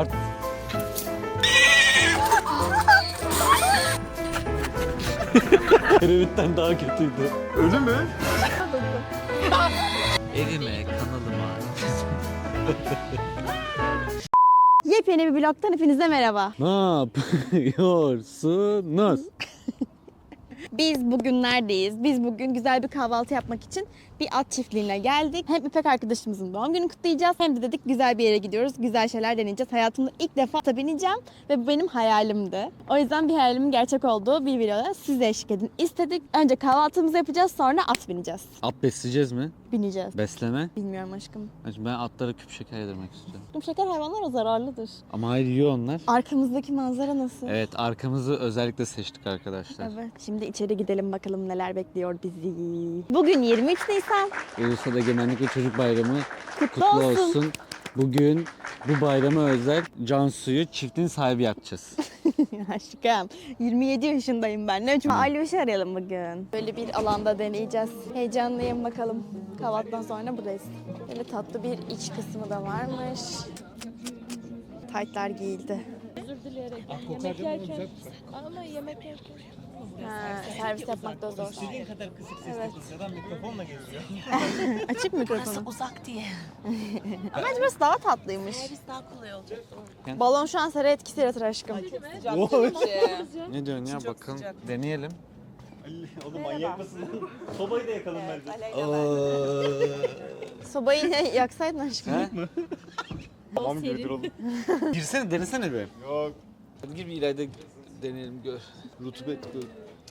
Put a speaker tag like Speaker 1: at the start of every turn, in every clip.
Speaker 1: Kerevitten daha kötüydü.
Speaker 2: Ölü mü?
Speaker 1: Evime, kanalıma.
Speaker 3: Yepyeni bir vlogtan hepinize merhaba.
Speaker 1: Ne yapıyorsunuz?
Speaker 3: Biz bugün neredeyiz? Biz bugün güzel bir kahvaltı yapmak için bir at çiftliğine geldik. Hem İpek arkadaşımızın doğum gününü kutlayacağız hem de dedik güzel bir yere gidiyoruz. Güzel şeyler deneyeceğiz. Hayatımda ilk defa ata bineceğim ve bu benim hayalimdi. O yüzden bir hayalimin gerçek olduğu bir videoda size eşlik edin istedik. Önce kahvaltımızı yapacağız, sonra at bineceğiz.
Speaker 1: At besleyeceğiz mi?
Speaker 3: Bineceğiz.
Speaker 1: Besleme.
Speaker 3: Bilmiyorum aşkım.
Speaker 1: Ben atlara küp şeker yedirmek istiyorum.
Speaker 3: Bu şeker hayvanlara zararlıdır.
Speaker 1: Ama hayır, yiyor onlar.
Speaker 3: Arkamızdaki manzara nasıl?
Speaker 1: Evet, arkamızı özellikle seçtik arkadaşlar.
Speaker 3: Evet. Şimdi içeri gidelim bakalım neler bekliyor bizi. Bugün 23 Nisan.
Speaker 1: Ulusal Egemenlik ve Çocuk Bayramı
Speaker 3: Kutlu
Speaker 1: kutlu
Speaker 3: olsun.
Speaker 1: olsun. Bugün bu bayrama özel Cansu'yu çiftin sahibi yapacağız.
Speaker 3: Aşkım 27 yaşındayım ben. Ne çok Alyoş'u arayalım bugün. Böyle bir alanda deneyeceğiz. Heyecanlıyım bakalım. Kahvaltıdan sonra buradayız. Böyle tatlı bir iç kısmı da varmış. Taytlar giyildi.
Speaker 4: Özür dileyerek. Yemek yerken ama yemek yerken.
Speaker 3: Ha, servis yapmak da zor.
Speaker 2: İstediğin kadar kısık sesle kısadan mikrofonla geziyor.
Speaker 3: Açık mikrofonu.
Speaker 4: Uzak diye.
Speaker 3: Ama bence burası daha tatlıymış.
Speaker 4: Servis daha kolay olacak.
Speaker 3: Balon şu an sera etkisi yaratır aşkım.
Speaker 1: Ne diyorsun ya, bakalım deneyelim.
Speaker 2: Oğlum manyak mısın? Sobayı da yakalım bence.
Speaker 3: Sobayı yaksaydın aşkım.
Speaker 1: He?
Speaker 2: Tamam gibidir oğlum.
Speaker 1: Girsene, denesene bir.
Speaker 2: Yok.
Speaker 1: Hadi gir bir ileride deneyelim, gör. Rutubet gör.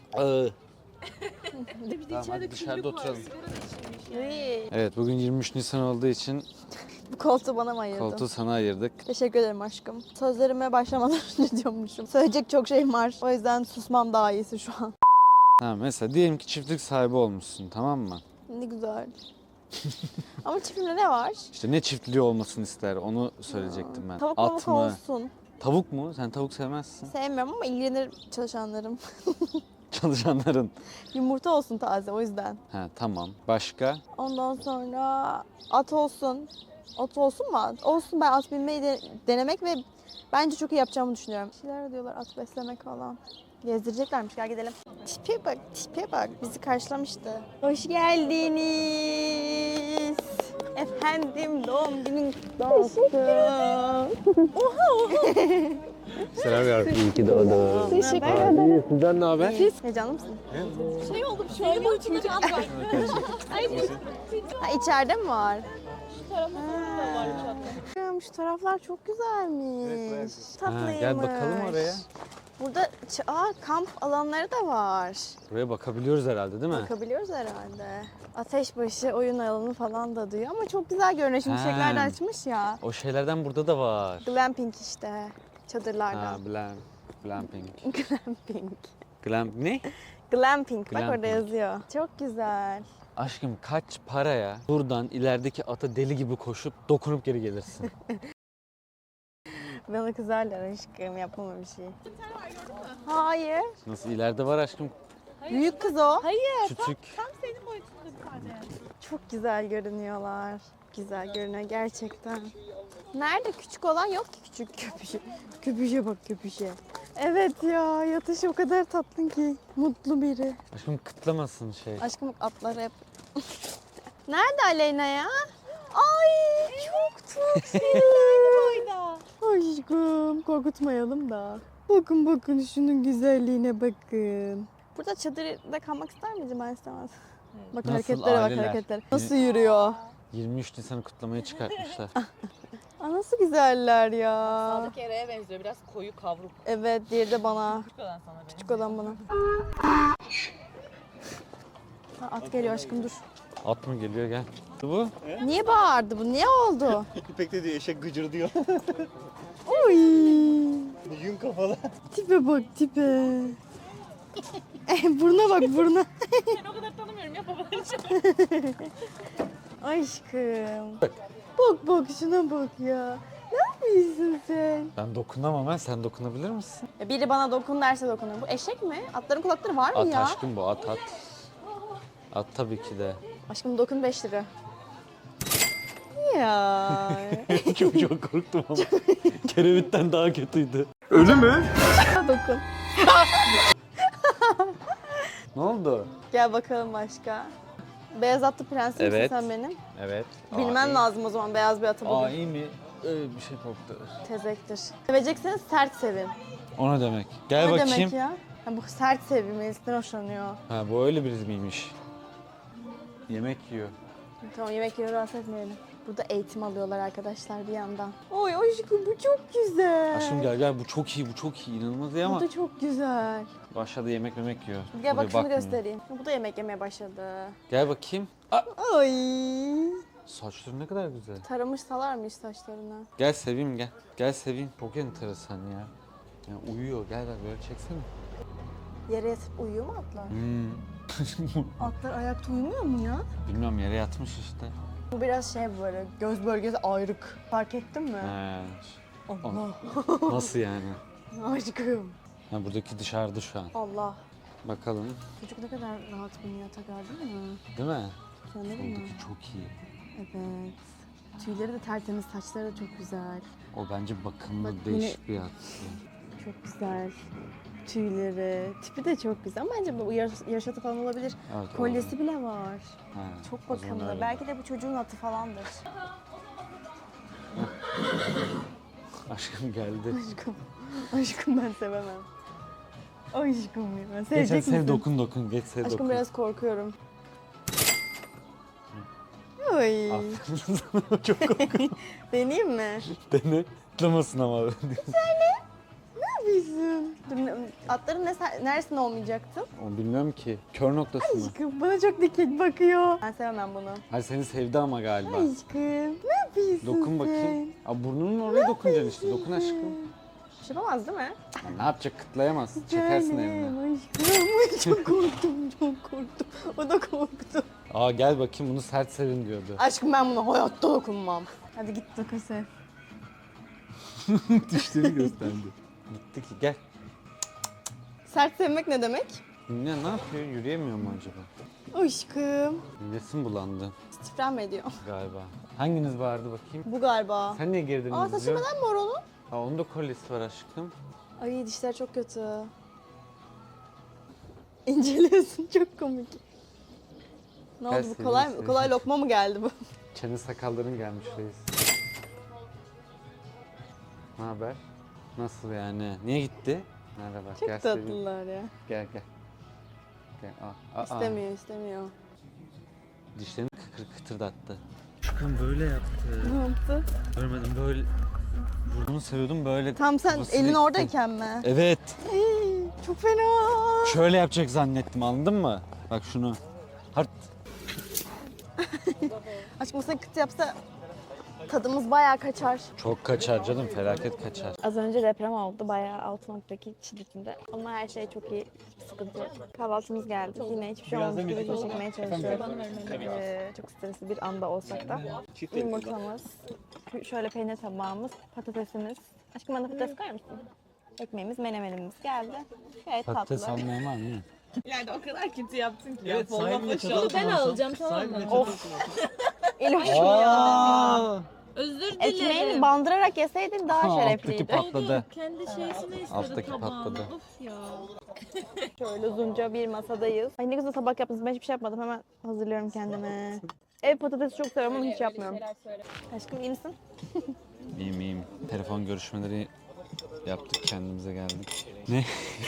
Speaker 1: Tamam, hadi dışarıda oturalım.
Speaker 3: İyi.
Speaker 1: Evet, bugün 23 Nisan olduğu için
Speaker 3: Bu koltuğu bana mı ayırdın?
Speaker 1: koltuğu sana ayırdık.
Speaker 3: Teşekkür ederim aşkım. Sözlerime başlamadan önce diyormuşum. Söyleyecek çok şeyim var. O yüzden susmam daha iyisi şu an.
Speaker 1: Tamam, mesela diyelim ki çiftlik sahibi olmuşsun, tamam mı?
Speaker 3: Ne güzel. Ama çiftliğimde ne var?
Speaker 1: İşte ne çiftliği olmasını ister, onu söyleyecektim ben.
Speaker 3: Tavuk
Speaker 1: At
Speaker 3: mavuk
Speaker 1: mı?
Speaker 3: olsun.
Speaker 1: Tavuk mu? Sen tavuk sevmezsin.
Speaker 3: Sevmiyorum ama ilgilenir çalışanlarım.
Speaker 1: Çalışanların.
Speaker 3: Yumurta olsun taze o yüzden.
Speaker 1: Ha, tamam. Başka?
Speaker 3: Ondan sonra at olsun. At olsun mu at? Olsun, ben at binmeyi denemek ve bence çok iyi yapacağımı düşünüyorum. Bir şeyler diyorlar, at beslemek falan. Gezdireceklermiş, gel gidelim. Tipe bak, tipe bak. Bizi karşılamıştı. Hoş geldiniz. Efendim, doğum günün kutlu olsun.
Speaker 1: Selam yavrum. İyi ki doğdun.
Speaker 3: Teşekkür ederim.
Speaker 1: Sizden ne haber?
Speaker 3: Heyecanlı mısın?
Speaker 4: Şey oldu, bir şey oldu. Çocuk at var.
Speaker 3: Ha, içeride mi var?
Speaker 4: Şu tarafta da var uçakta.
Speaker 3: Şu taraflar çok güzelmiş. Tatlıymış.
Speaker 1: Gel bakalım oraya.
Speaker 3: Burada kamp alanları da var.
Speaker 1: Buraya bakabiliyoruz herhalde, değil mi?
Speaker 3: Bakabiliyoruz herhalde. Ateşbaşı oyun alanı falan da diyor ama çok güzel görünüyor. Şimdi çiçekler de açmış ya.
Speaker 1: O şeylerden burada da var.
Speaker 3: Glamping işte. Çadırlardan.
Speaker 1: Ha, glamping.
Speaker 3: Glamping.
Speaker 1: Ne?
Speaker 3: Glamping. Bak
Speaker 1: Glamping.
Speaker 3: orada yazıyor. Çok güzel.
Speaker 1: Aşkım, kaç paraya buradan ilerideki ata deli gibi koşup dokunup geri gelirsin?
Speaker 3: Bana kızarlar aşkım. Yapmam öyle bir şey. Hayır.
Speaker 1: Nasıl, ileride var aşkım,
Speaker 3: Büyük kız o.
Speaker 4: Hayır,
Speaker 1: küçük.
Speaker 4: tam senin boyutunda bir tane.
Speaker 3: Çok güzel görünüyorlar. Güzel görünüyor gerçekten. Nerede küçük olan yok ki, küçük köpüşe. Köpüşe bak, köpüşe. Evet ya, yatış o kadar tatlı ki. Mutlu biri.
Speaker 1: Aşkım, kıtlamasın şey.
Speaker 3: Aşkım atlar hep. Nerede Aleyna ya? Ay çok tatlı.
Speaker 4: Boyda.
Speaker 3: Aşkım korkutmayalım da. Bakın bakın şunun güzelliğine bakın. Burada çadırda kalmak ister miydin? Ben istemez. Bak
Speaker 1: Nasıl
Speaker 3: hareketlere bak,
Speaker 1: aileler?
Speaker 3: hareketlere. Nasıl yürüyor?
Speaker 1: 23 Nisan'ı kutlamaya çıkartmışlar.
Speaker 3: Aa, nasıl güzeller ya.
Speaker 4: Sağdaki Eray'a benziyor, biraz koyu kavruk.
Speaker 3: Evet, diğeri de bana.
Speaker 4: Küçük olan sana benziyor.
Speaker 3: Küçük olan bana. Ha, at geliyor aşkım, dur.
Speaker 1: At mı geliyor, gel. Bu?
Speaker 3: Niye bağırdı bu? Niye oldu?
Speaker 2: İpek de diyor eşek gıcır diyor.
Speaker 3: Oy.
Speaker 2: Yün kafalı.
Speaker 3: Tipe bak, tipe. Buruna bak, buruna.
Speaker 4: Seni o kadar tanımıyorum ya babalarım.
Speaker 3: Aşkım. Bak bak şuna bak ya. Ne yapıyorsun sen?
Speaker 1: Ben dokunamam, sen dokunabilir misin?
Speaker 3: Biri bana dokun derse dokunur. Bu eşek mi? Atların kulakları var mı
Speaker 1: At
Speaker 3: ya?
Speaker 1: aşkım, bu at. At tabii ki de.
Speaker 3: Aşkım dokun 5 lira. ya.
Speaker 1: çok korktum ama. Kerevitten daha kötüydü.
Speaker 3: Dokun.
Speaker 1: Ne oldu?
Speaker 3: Gel bakalım başka. Beyaz atlı prensim misin
Speaker 1: Evet.
Speaker 3: sen benim?
Speaker 1: Evet.
Speaker 3: Bilmen lazım o zaman beyaz bir atı bugün.
Speaker 1: iyi mi? Bir şey korktu.
Speaker 3: Tezektir. Sevecekseniz sert sevin.
Speaker 1: O ne demek? Gel
Speaker 3: Ne
Speaker 1: bakayım.
Speaker 3: demek ya? Ha, bu sert sevim, Melis'ten hoşlanıyor.
Speaker 1: Ha bu öyle biri miymiş? Yemek yiyor.
Speaker 3: Tamam yemek yiyor, rahatsız etmeyelim. Burada eğitim alıyorlar arkadaşlar bir yandan. Oy aşkım bu çok güzel.
Speaker 1: Aşkım gel bu çok iyi, bu çok iyi. İnanılmaz iyi
Speaker 3: Bu
Speaker 1: ama
Speaker 3: da çok güzel.
Speaker 1: aşağıda yemek yiyor.
Speaker 3: Gel bak
Speaker 1: Buraya
Speaker 3: şunu
Speaker 1: bakmıyor.
Speaker 3: göstereyim. Bu da yemek yemeye başladı.
Speaker 1: Gel bakayım. Aa,
Speaker 3: Ay.
Speaker 1: saçları ne kadar güzel.
Speaker 3: Taramışsalarmış saçlarını.
Speaker 1: Gel seveyim gel. Gel seveyim. Çok enteresan ya. Ya uyuyor. Gel böyle çeksene.
Speaker 3: Yere yatıp uyuyor mu atlar?
Speaker 1: Hmm.
Speaker 3: Atlar ayakta uyumuyor mu ya?
Speaker 1: Bilmiyorum yere yatmış işte.
Speaker 3: Bu biraz şey böyle göz bölgesi ayrık. Fark ettin mi?
Speaker 1: He.
Speaker 3: Allah.
Speaker 1: Nasıl yani?
Speaker 3: Aşkım.
Speaker 1: Ha, buradaki dışarıda şu an.
Speaker 3: Allah.
Speaker 1: Bakalım.
Speaker 3: Çocuk ne kadar rahat biniyor yatak gördün mü?
Speaker 1: Değil mi?
Speaker 3: Anladın mı?
Speaker 1: Buradaki çok iyi.
Speaker 3: Evet. Tüyleri de tertemiz, saçları da çok güzel.
Speaker 1: O bence bakımlı
Speaker 3: Bak,
Speaker 1: değişik bir at.
Speaker 3: Çok güzel. Tüyleri, tipi de çok güzel. Bence bu yaşatı falan olabilir.
Speaker 1: Evet,
Speaker 3: Kolyesi bile var.
Speaker 1: Ha,
Speaker 3: Çok
Speaker 1: o zaman
Speaker 3: bakımlı.
Speaker 1: öyle.
Speaker 3: Belki de bu çocuğun atı falandır.
Speaker 1: Aşkım geldi.
Speaker 3: Aşkım. Aşkım ben sevemem. Aşkım ya.
Speaker 1: Geç
Speaker 3: Sevecek
Speaker 1: hadi sev
Speaker 3: misin?
Speaker 1: dokun. Geç sev
Speaker 3: Aşkım
Speaker 1: dokun.
Speaker 3: biraz korkuyorum. Ay.
Speaker 1: Aferin sana çok korkuyorum.
Speaker 3: Deneyeyim mi?
Speaker 1: Dene. Atlamasın ama.
Speaker 3: Bizim. Atların neresinde olmayacaktın?
Speaker 1: Onu bilmiyorum ki. Kör noktası mı?
Speaker 3: Aşkım bana çok dikkat bakıyor. Ben sevemem bunu.
Speaker 1: Hayır seni sevdi ama galiba.
Speaker 3: Aşkım ne yapıyorsun
Speaker 1: Dokun bakayım. Aa, burnunun oraya dokunacaksın işte. Dokun aşkım.
Speaker 3: Bir şey yapamaz değil mi?
Speaker 1: Ya ne yapacak? Kıtlayamaz. Çekersin eline.
Speaker 3: Aşkım çok korktum çok korktum. O da korktu.
Speaker 1: Aa gel bakayım bunu sert sevin diyordu.
Speaker 3: Aşkım ben buna hayatta dokunmam. Hadi git dokun sev.
Speaker 1: Dişleri gösterdi. Gitti ki gel.
Speaker 3: Sert sevmek ne demek?
Speaker 1: Ne yapıyor? Yürüyemiyor mu acaba?
Speaker 3: Aşkım.
Speaker 1: Midesim bulandı
Speaker 3: Stifren mi ediyor?
Speaker 1: galiba. Hanginiz vardı bakayım?
Speaker 3: Bu galiba.
Speaker 1: Sen niye geri
Speaker 3: Aa saçı neden mor onun?
Speaker 1: Aa onun da kolyesi var aşkım.
Speaker 3: Ay dişler çok kötü. İnceliyorsun çok komik. Ne oldu bu
Speaker 1: Gelsin,
Speaker 3: kolay
Speaker 1: gelsin.
Speaker 3: mı? Kolay lokma mı geldi bu?
Speaker 1: Çene sakalların gelmiş reis. Ne haber? Nasıl yani? Niye gitti? Merhaba.
Speaker 3: Çok
Speaker 1: gel seveyim.
Speaker 3: tatlılar ya.
Speaker 1: Gel. Aa.
Speaker 3: İstemiyor istemiyor.
Speaker 1: Dişlerini kıtırdattı. Aşkım böyle yaptı.
Speaker 3: Ne yaptı?
Speaker 1: Görmedim böyle. Burnunu seviyordum böyle.
Speaker 3: Tam sen
Speaker 1: kafasını
Speaker 3: elin
Speaker 1: itti.
Speaker 3: oradayken mi?
Speaker 1: Evet.
Speaker 3: Hey, çok fena.
Speaker 1: Şöyle yapacak zannettim anladın mı? Bak şunu. Hart.
Speaker 3: Aşkım sen kıt yapsa tadımız bayağı kaçar.
Speaker 1: Çok kaçar canım felaket kaçar.
Speaker 3: Az önce deprem oldu bayağı 6.2 şiddetinde. Ama her şey çok iyi. Hiçbir sıkıntı yok. Kahvaltımız geldi. Yine hiçbir şey olmamış gibi çekmeye çalışıyoruz. Çok stresli bir anda olsak da. Yumurtamız, şöyle peynir tabağımız, patatesimiz. Aşkım bana patates koyar mısın? Ekmeğimiz, menemenimiz geldi. Gayet
Speaker 1: Patates
Speaker 3: tatlı.
Speaker 1: almayan var mı?
Speaker 4: İleride o kadar kötü yaptın ki.
Speaker 2: Evet sahibine çatal
Speaker 4: Ben alacağım tamam mı?
Speaker 3: İloşum ya.
Speaker 4: Özür dilerim.
Speaker 3: Ekmeğini bandırarak yeseydin daha
Speaker 1: Alttaki
Speaker 3: şerefliydi.
Speaker 1: patladı.
Speaker 4: Kendi şeysini istedi
Speaker 1: Alttaki
Speaker 4: tabağına.
Speaker 1: patladı.
Speaker 4: Of ya.
Speaker 3: Şöyle uzunca bir masadayız. Ay ne güzel tabak yaptınız. Ben hiçbir şey yapmadım. Hemen hazırlıyorum kendime. Ev patatesi çok seviyorum ama hiç yapmıyorum. Aşkım iyi misin?
Speaker 1: İyiyim. Telefon görüşmeleri yaptık kendimize geldik. Ne?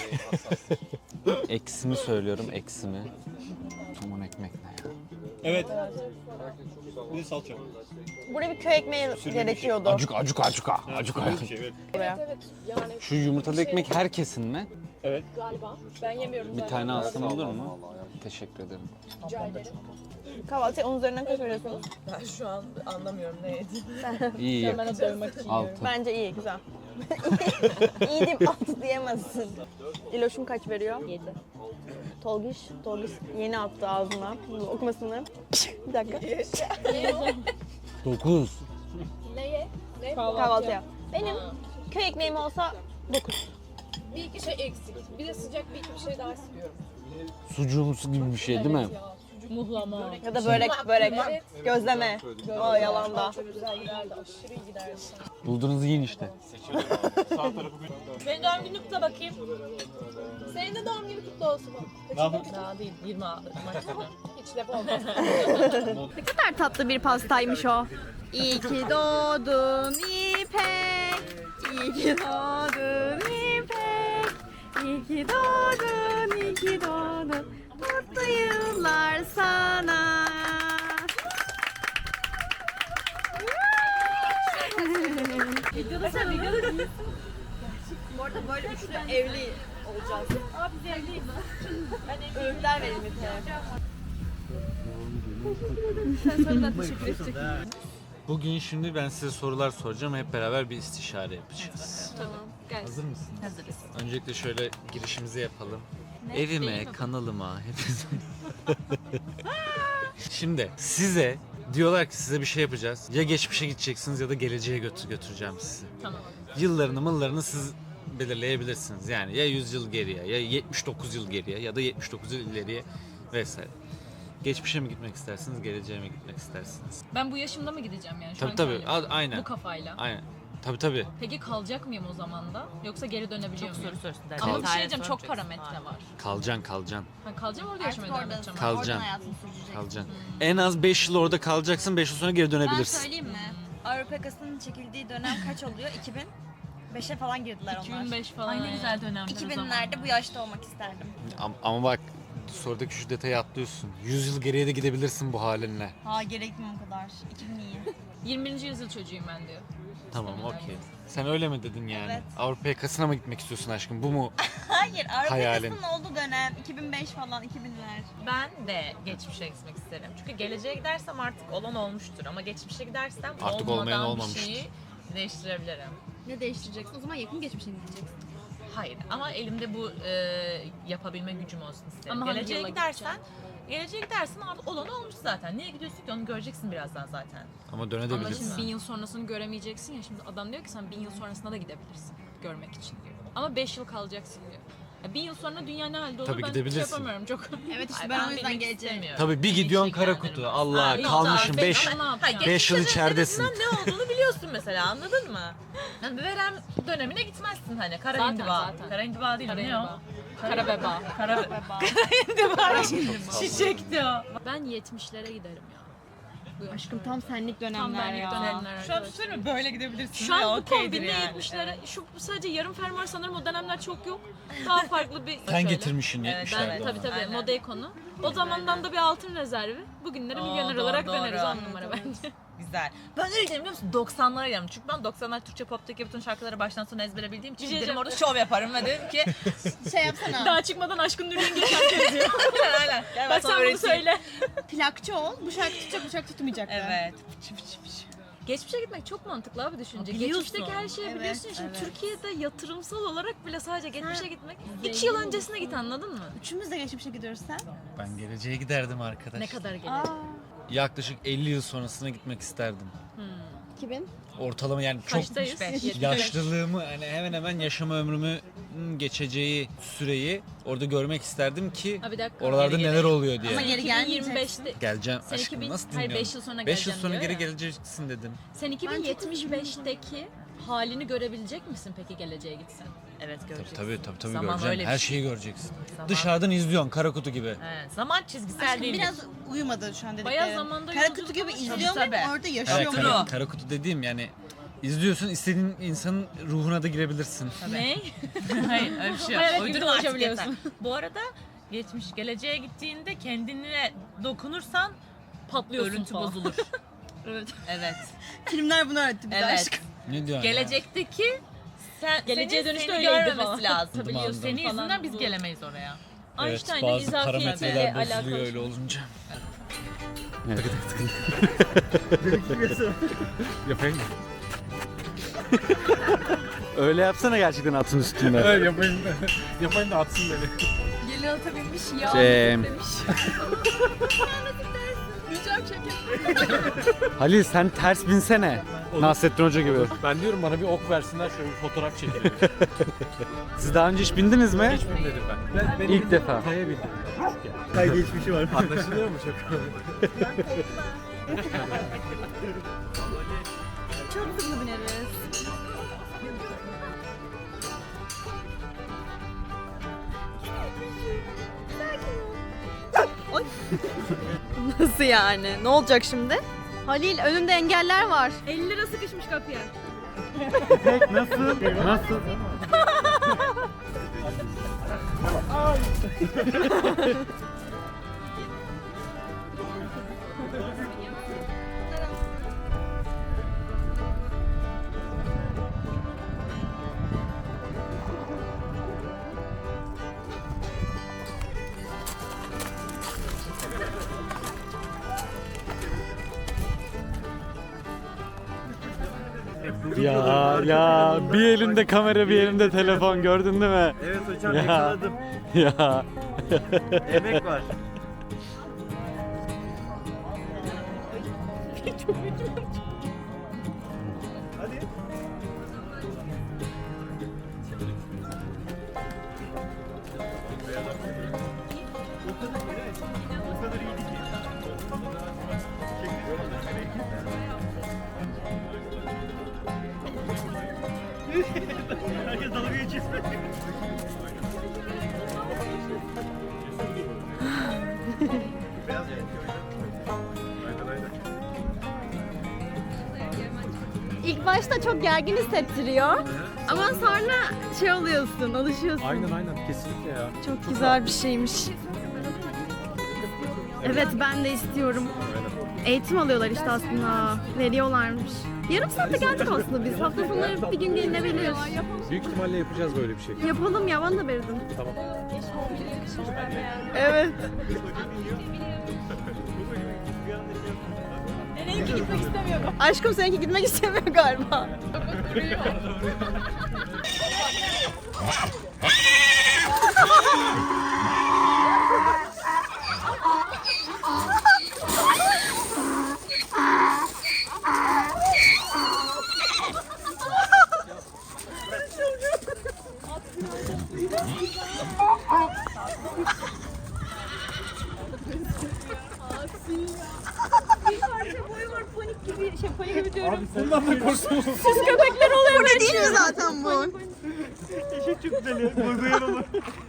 Speaker 1: Eksimi söylüyorum eksimi. Aman ekmek ne ya?
Speaker 2: Evet. Bir de salça.
Speaker 3: Buraya bir köy ekmeği gerekiyordu.
Speaker 1: Acuk.
Speaker 2: Böyle bir şey evet.
Speaker 3: Buraya.
Speaker 1: Şu yumurtalı ekmek herkesin mi?
Speaker 2: Evet.
Speaker 4: Ben yemiyorum.
Speaker 1: Bir tane alsam olur mu? Teşekkür ederim.
Speaker 3: Kahvaltıya 10 üzerinden kaç veriyorsunuz?
Speaker 4: Ben şu an anlamıyorum ne yediğimi.
Speaker 1: İyi.
Speaker 4: Ben de doymak için
Speaker 1: Altı.
Speaker 3: Bence iyi, güzel. İyi diyeyim, 6 diyemezsin. İloş'um kaç veriyor? 7. Tolgiş yeni attı ağzına. Okumasını. Bir dakika.
Speaker 1: 9.
Speaker 4: Neye? Ne?
Speaker 3: Kahvaltıya. Benim köy ekmeğim olsa 9.
Speaker 4: Bir iki şey eksik. Bir de sıcak bir iki bir şey daha istiyorum.
Speaker 1: Sucuğumsu gibi bir şey değil mi?
Speaker 4: Ya, sucuk Muhlama.
Speaker 3: Ya da börek, gözleme. O yalanda.
Speaker 4: Güzel giderdi. Aşırı iyi giderdi.
Speaker 1: Bulduğunuzu yiyin işte.
Speaker 4: Benim doğum günü kutla bakayım. Senin de doğum günü kutlu olsun. Daha değil. 20 Mayıs'ta. Hiç laf olmaz.
Speaker 3: Ne kadar tatlı bir pastaymış o. İyi ki doğdun İpek. İyi ki doğdun İpek. İyi ki doğdun, iyi ki doğdun. Mutlu yıllar sana. Videoda sen videoda Bu arada böyle bir sürü evli olacağız. Abi biz evliyiz. Ben öğütler verin
Speaker 1: Bugün şimdi ben size sorular soracağım. Hep beraber bir istişare yapacağız.
Speaker 3: Tamam. Gel.
Speaker 1: Hazır mısınız?
Speaker 3: Hazırız.
Speaker 1: Öncelikle şöyle girişimizi yapalım. Evime, kanalıma, hepinize. Şimdi size diyorlar ki size bir şey yapacağız. Ya geçmişe gideceksiniz ya da geleceğe götüreceğim sizi.
Speaker 4: Tamam.
Speaker 1: Yıllarını siz belirleyebilirsiniz. Yani ya 100 yıl geriye ya 79 yıl geriye ya da 79 yıl ileriye vesaire. Geçmişe mi gitmek istersiniz, geleceğe mi gitmek istersiniz?
Speaker 4: Ben bu yaşımda mı gideceğim yani? Şu
Speaker 1: Tabii
Speaker 4: anki
Speaker 1: tabii.
Speaker 4: halimle?
Speaker 1: Aynen.
Speaker 4: Bu kafayla.
Speaker 1: Aynen. Tabii.
Speaker 4: Peki kalacak mıyım o zaman da? Yoksa geri dönebiliyor muyum?
Speaker 5: soruyorsun.
Speaker 4: Ama bir şey diyeceğim, çok parametre var.
Speaker 1: Kalacaksın.
Speaker 4: Ben kalacağım orada yaşamaya devam edeceğim.
Speaker 1: Kalacaksın.
Speaker 3: Oradan hayatını sürecek.
Speaker 1: Kalacaksın. En az 5 yıl orada kalacaksın, 5 yıl sonra geri
Speaker 3: Ben
Speaker 1: dönebilirsin.
Speaker 3: söyleyeyim mi? Avrupa yakasının çekildiği dönem kaç oluyor? 2005'e falan girdiler onlar.
Speaker 4: 2005 falan.
Speaker 5: Ay ne
Speaker 4: yani.
Speaker 5: güzel dönemler.
Speaker 3: 2000'lerde bu yaşta olmak isterdim.
Speaker 1: Ama bak sorudaki şu detayı atlıyorsun. 100 yıl geriye de gidebilirsin bu halinle.
Speaker 3: Ha gerekmiyor o kadar. 2000 iyi.
Speaker 4: 21. yüzyıl çocuğuyum ben diyor.
Speaker 1: Tamam okey. Sen öyle mi dedin yani?
Speaker 3: Evet.
Speaker 1: Avrupa yakasına mı gitmek istiyorsun aşkım? Bu mu?
Speaker 3: Hayır, Avrupa
Speaker 1: Hayalin.
Speaker 3: yakasının olduğu dönem 2005 falan 2000'ler.
Speaker 5: Ben de geçmişe gitmek isterim. Çünkü geleceğe gidersem artık olan olmuştur. Ama geçmişe gidersem
Speaker 1: Artık
Speaker 5: olmadan
Speaker 1: olmayan
Speaker 5: bir
Speaker 1: olmamıştır.
Speaker 5: şeyi değiştirebilirim.
Speaker 3: Ne değiştireceksin? O zaman yakın geçmişe gideceksin.
Speaker 5: Hayır ama elimde bu yapabilme gücüm olsun isterim.
Speaker 4: Ama hangi
Speaker 5: geleceğe
Speaker 4: yıla
Speaker 5: gidersen artık olan olmuş zaten. Niye gidiyorsun ki onu göreceksin birazdan zaten.
Speaker 1: Ama
Speaker 4: Ama
Speaker 1: dönebilirsin.
Speaker 4: şimdi 1000 yıl sonrasını göremeyeceksin ya. Şimdi adam diyor ki sen 1000 yıl sonrasına da gidebilirsin görmek için diyor. Ama 5 yıl kalacaksın diyor. Ya 1000 yıl sonra dünya ne halde olur
Speaker 1: Tabii
Speaker 4: ben
Speaker 1: gidebilirsin.
Speaker 4: şey yapamıyorum çok.
Speaker 3: Evet işte
Speaker 5: Ay,
Speaker 3: ben o yüzden
Speaker 5: bilmek
Speaker 3: geleceğim.
Speaker 5: istemiyorum.
Speaker 1: Tabii bir gidiyorsun
Speaker 5: Geçmişe
Speaker 1: Karakutu.
Speaker 5: giderim.
Speaker 1: Allah
Speaker 5: Ha,
Speaker 1: kalmışım
Speaker 5: yok,
Speaker 1: 5
Speaker 4: Ama ne yapacağım?
Speaker 5: Hayır,
Speaker 1: Beş yıl
Speaker 5: geçmişte
Speaker 1: içeridesin.
Speaker 5: en azından ne olduğunu biliyorsun mesela anladın mı? Yani bir verem dönemine gitmezsin hani. Kara
Speaker 4: Zaten,
Speaker 5: hindiba.
Speaker 4: zaten.
Speaker 5: Kara hindiba değil mi? Ne o?
Speaker 4: Karabeba.
Speaker 5: Kara hindiba. Çiçekti o.
Speaker 4: Ben 70'lere giderim ya. Bu yaşta.
Speaker 3: Aşkım tam senlik
Speaker 4: Tam
Speaker 3: dönemler
Speaker 4: benlik
Speaker 3: ya.
Speaker 4: dönemler.
Speaker 5: Şu an söyleyeyim mi? Böyle gidebilirsin.
Speaker 4: Şu an bu
Speaker 5: okeydir
Speaker 4: kombinle
Speaker 5: yani.
Speaker 4: 70'lere, şu sadece yarım fermuar sanırım o dönemler çok yok. Daha farklı bir...
Speaker 1: Sen
Speaker 4: Şöyle.
Speaker 1: getirmişsin
Speaker 5: Evet,
Speaker 1: 70'lerde.
Speaker 5: evet.
Speaker 4: Tabii tabii
Speaker 5: Aynen.
Speaker 4: moda ikonu. O zamandan da bir altın rezervi. Bugünlere milyoner
Speaker 5: doğru,
Speaker 4: olarak
Speaker 5: doğru.
Speaker 4: döneriz 10 numara bence.
Speaker 5: Güzel. Ben nereye giderim biliyor musun? 90'lara giderim. Çünkü ben 90'lar Türkçe pop'taki bütün şarkıları baştan sona ezbere bildiğim için
Speaker 4: Bir şey
Speaker 5: giderim
Speaker 4: diyeceğim.
Speaker 5: orada şov yaparım ve derim ki
Speaker 3: Şey yapsana.
Speaker 4: Daha çıkmadan aşkın Nuri'nin geçen yazıyor.
Speaker 5: aynen. Gel
Speaker 4: Bak
Speaker 5: sana
Speaker 4: sen bunu
Speaker 5: öğreteyim.
Speaker 4: söyle.
Speaker 3: Plakçı ol. Bu şarkı tutacak, bu şarkı tutmayacak.
Speaker 5: Evet.
Speaker 4: Geçmişe gitmek çok mantıklı abi düşünce.
Speaker 5: Biliyorsun.
Speaker 4: Geçmişteki her şeyi
Speaker 3: Evet,
Speaker 4: biliyorsun. ya. Şimdi
Speaker 5: evet.
Speaker 4: Türkiye'de yatırımsal olarak bile sadece geçmişe gitmek.
Speaker 3: zengin
Speaker 4: 2 yıl öncesine git anladın mı?
Speaker 3: Üçümüz de geçmişe gidiyoruz sen.
Speaker 1: Ben geleceğe giderdim arkadaş.
Speaker 4: Ne kadar gelir?
Speaker 3: Aa.
Speaker 1: Yaklaşık 50 yıl sonrasına gitmek isterdim.
Speaker 3: 2000.
Speaker 1: Ortalama yani çok
Speaker 4: Kaçtayız?
Speaker 5: 75.
Speaker 1: yaşlılığımı hani hemen hemen yaşama ömrümü geçeceği süreyi orada görmek isterdim ki
Speaker 4: Ha bir dakika.
Speaker 1: oralarda
Speaker 5: Geri
Speaker 1: neler oluyor diye.
Speaker 3: Ama geri gelmeyeceksin.
Speaker 4: 2025'te
Speaker 1: Geleceğim
Speaker 4: Sen
Speaker 1: aşkım
Speaker 4: 2000
Speaker 1: nasıl
Speaker 4: hayır,
Speaker 1: dinliyorsun?
Speaker 4: 5 yıl sonra
Speaker 1: 5 yıl
Speaker 4: geleceğim
Speaker 1: sonra
Speaker 4: diyor
Speaker 1: geri
Speaker 4: ya.
Speaker 1: geleceksin dedim.
Speaker 4: Sen 2075'teki halini görebilecek misin peki geleceğe gitsen?
Speaker 5: Evet göreceksin.
Speaker 1: Tabii
Speaker 5: Zaman
Speaker 1: göreceksin.
Speaker 5: öyle bir
Speaker 1: Her
Speaker 5: şey.
Speaker 1: şeyi göreceksin.
Speaker 5: Zaman-
Speaker 1: Dışarıdan izliyorsun Karakutu gibi.
Speaker 5: Evet. Zaman çizgisel
Speaker 3: Aşkım
Speaker 5: değil.
Speaker 3: biraz uyumadı şu an dediklerim.
Speaker 4: Bayağı zamanda
Speaker 3: Karakutu
Speaker 4: yolculuk
Speaker 3: gibi
Speaker 4: ama-
Speaker 3: izliyorum
Speaker 5: Tabii,
Speaker 3: ama
Speaker 5: tabii.
Speaker 3: orada
Speaker 1: Evet,
Speaker 3: yaşıyorum.
Speaker 5: True.
Speaker 1: Karakutu dediğim yani izliyorsun istediğin insanın ruhuna da girebilirsin.
Speaker 4: Ne?
Speaker 5: Hayır öyle bir şey yok.
Speaker 4: Hayalet gibi
Speaker 5: Uydurma artık
Speaker 4: dolaşabiliyorsun.
Speaker 5: yeter. Bu arada geleceğe gittiğinde kendine dokunursan
Speaker 4: Patlıyorsun
Speaker 5: örüntü
Speaker 4: falan.
Speaker 5: bozulur.
Speaker 4: Evet.
Speaker 5: Evet.
Speaker 3: Filmler bunu öğretti bize
Speaker 5: Evet.
Speaker 3: aşkım.
Speaker 1: Ne diyorsun ya?
Speaker 5: Gelecekteki
Speaker 4: Geleceğe
Speaker 5: senin
Speaker 4: dönüşte
Speaker 5: seni
Speaker 4: öyleydi
Speaker 5: görmemesi
Speaker 4: falan.
Speaker 5: lazım.
Speaker 1: Anladım, anladım.
Speaker 5: Senin
Speaker 4: Falan
Speaker 5: yüzünden biz
Speaker 4: bu.
Speaker 5: gelemeyiz oraya.
Speaker 1: Evet,
Speaker 4: Einstein'ın
Speaker 1: bazı
Speaker 4: izafiyetiyle
Speaker 1: parametreler bozuluyor
Speaker 4: alakalı.
Speaker 1: öyle olunca. Yapayım mı? Öyle yapsana gerçekten atın üstünde.
Speaker 2: Evet yapayım da. Yapayım da atsın beni.
Speaker 4: Gelin ata binmiş ya.
Speaker 1: Şey- Halil sen ters binsene. Nasrettin Hoca gibi.
Speaker 6: Ben diyorum bana bir ok versinler şöyle bir fotoğraf çekelim.
Speaker 1: Siz daha önce hiç bindiniz mi?
Speaker 6: Hiç binmedim ben. Benim
Speaker 1: İlk defa.
Speaker 6: Kaya bindim.
Speaker 2: Kay geçmişi var.
Speaker 6: Anlaşılıyor mu çok?
Speaker 3: Çok hızlı bineriz. Oy. Nasıl yani? Ne olacak şimdi? Halil önünde engeller var. 50 lira sıkışmış kapıya.
Speaker 1: Nasıl? Ya bir elinde kamera bir elinde telefon gördün değil mi?
Speaker 2: Evet hocam
Speaker 1: Ya.
Speaker 2: yakaladım.
Speaker 1: Ya
Speaker 2: Emek var. Hadi. O kadar iyiydi ki. Herkes dalga geçiyor.
Speaker 3: İlk başta çok gergin hissettiriyor. Ama sonra şey oluyorsun, alışıyorsun.
Speaker 6: Aynen kesinlikle ya.
Speaker 3: Çok güzel bir şeymiş. Evet ben de istiyorum. Eğitim alıyorlar işte aslında. Veriyorlarmış. Yarım saatte geldik aslında biz. Hafta sonları bir gün gelinebilir.
Speaker 6: Büyük ihtimalle yapacağız böyle bir şey.
Speaker 3: Yapalım ya bana da verin.
Speaker 6: Tamam.
Speaker 3: Evet.
Speaker 4: Seninki gitmek istemiyorum.
Speaker 3: Aşkım seninki gitmek istemiyor galiba.
Speaker 2: Bundan da korksunuz.
Speaker 3: Köpekler oluyor. Bu ne değil mi zaten bu?
Speaker 2: Eşek çok güzel ya. Duyguyan olur.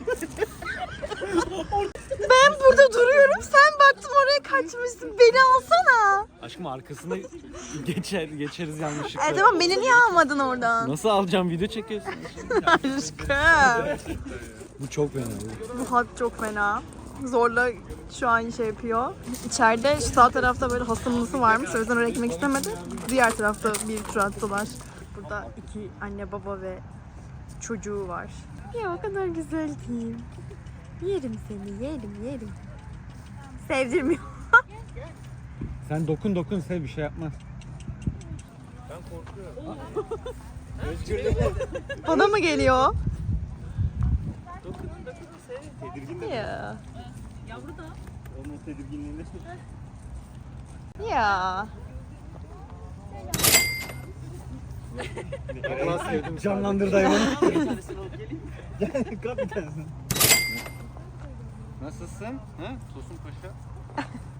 Speaker 3: Ben burada duruyorum. Sen baktın oraya kaçmışsın. Beni alsana.
Speaker 1: aşkım arkasına geçeriz yanlışlıkla.
Speaker 3: Tamam beni niye almadın oradan?
Speaker 1: Nasıl alacağım video çekiyorsun?
Speaker 3: Aşkım.
Speaker 1: Bu çok fena.
Speaker 3: Bu hat çok fena. Zorla şu an şey yapıyor. İçeride şu sağ tarafta böyle hasımlısı varmış. O yüzden oraya gitmek istemedi. Diğer tarafta bir tur attılar. Burada iki anne baba ve çocuğu var. Ya o kadar güzel ki. Yerim seni, yerim. Sevdirmiyor.
Speaker 1: Sen dokun sev bir şey yapmaz.
Speaker 3: Bana mı geliyor?
Speaker 2: Tedirgin de.
Speaker 3: Ya.
Speaker 2: Onun tedirginliğini.
Speaker 3: Ya.
Speaker 2: Canlandırdı hayvanı. Gel kırat bir tanesini.
Speaker 1: Nasılsın? Ha? Tosun Paşa.